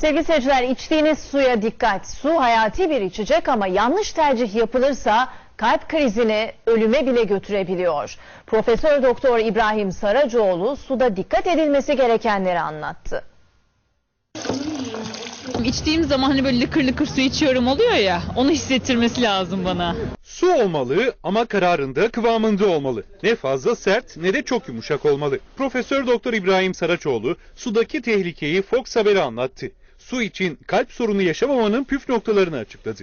Sevgili seyirciler, içtiğiniz suya dikkat. Su hayati bir içecek ama yanlış tercih yapılırsa kalp krizini ölüme bile götürebiliyor. Profesör Doktor İbrahim Saracoğlu suda dikkat edilmesi gerekenleri anlattı. İçtiğim zaman hani böyle lıkır lıkır su içiyorum oluyor ya, onu hissettirmesi lazım bana. Su olmalı ama kararında, kıvamında olmalı. Ne fazla sert ne de çok yumuşak olmalı. Profesör Doktor İbrahim Saraçoğlu sudaki tehlikeyi Fox Haber'e anlattı. Su için kalp sorunu yaşamamanın püf noktalarını açıkladı.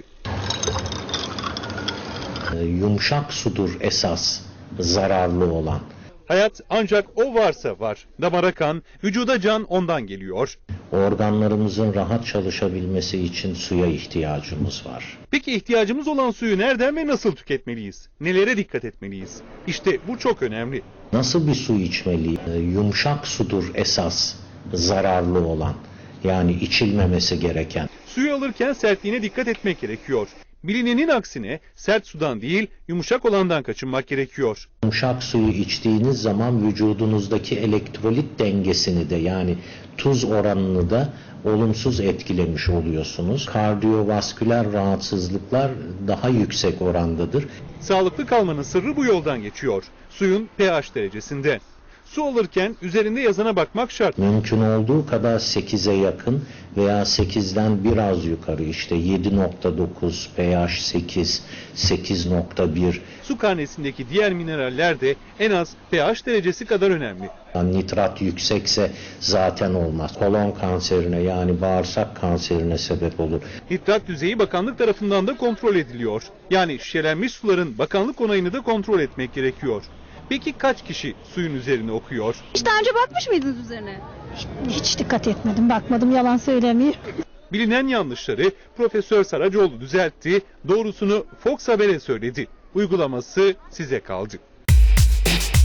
Yumuşak sudur esas zararlı olan. Hayat ancak o varsa var. Damara kan, vücuda can ondan geliyor. Organlarımızın rahat çalışabilmesi için suya ihtiyacımız var. Peki ihtiyacımız olan suyu nereden ve nasıl tüketmeliyiz? Nelere dikkat etmeliyiz? İşte bu çok önemli. Nasıl bir su içmeliyiz? Yumuşak sudur esas zararlı olan. Yani içilmemesi gereken. Suyu alırken sertliğine dikkat etmek gerekiyor. Bilinenin aksine sert sudan değil yumuşak olandan kaçınmak gerekiyor. Yumuşak suyu içtiğiniz zaman vücudunuzdaki elektrolit dengesini de yani tuz oranını da olumsuz etkilemiş oluyorsunuz. Kardiyovasküler rahatsızlıklar daha yüksek orandadır. Sağlıklı kalmanın sırrı bu yoldan geçiyor. Suyun pH derecesinde. Su alırken üzerinde yazana bakmak şart. Mümkün olduğu kadar 8'e yakın veya 8'den biraz yukarı işte 7.9, pH 8, 8.1. Su karnesindeki diğer mineraller de en az pH derecesi kadar önemli. Nitrat yüksekse zaten olmaz. Kolon kanserine yani bağırsak kanserine sebep olur. Nitrat düzeyi bakanlık tarafından da kontrol ediliyor. Yani şişelenmiş suların bakanlık onayını da kontrol etmek gerekiyor. Peki kaç kişi suyun üzerine okuyor? Hiç daha önce bakmış mıydınız üzerine? Hiç dikkat etmedim, bakmadım, yalan söylemeyeyim. Bilinen yanlışları Profesör Saracoğlu düzeltti, doğrusunu Fox Haber'e söyledi. Uygulaması size kaldı.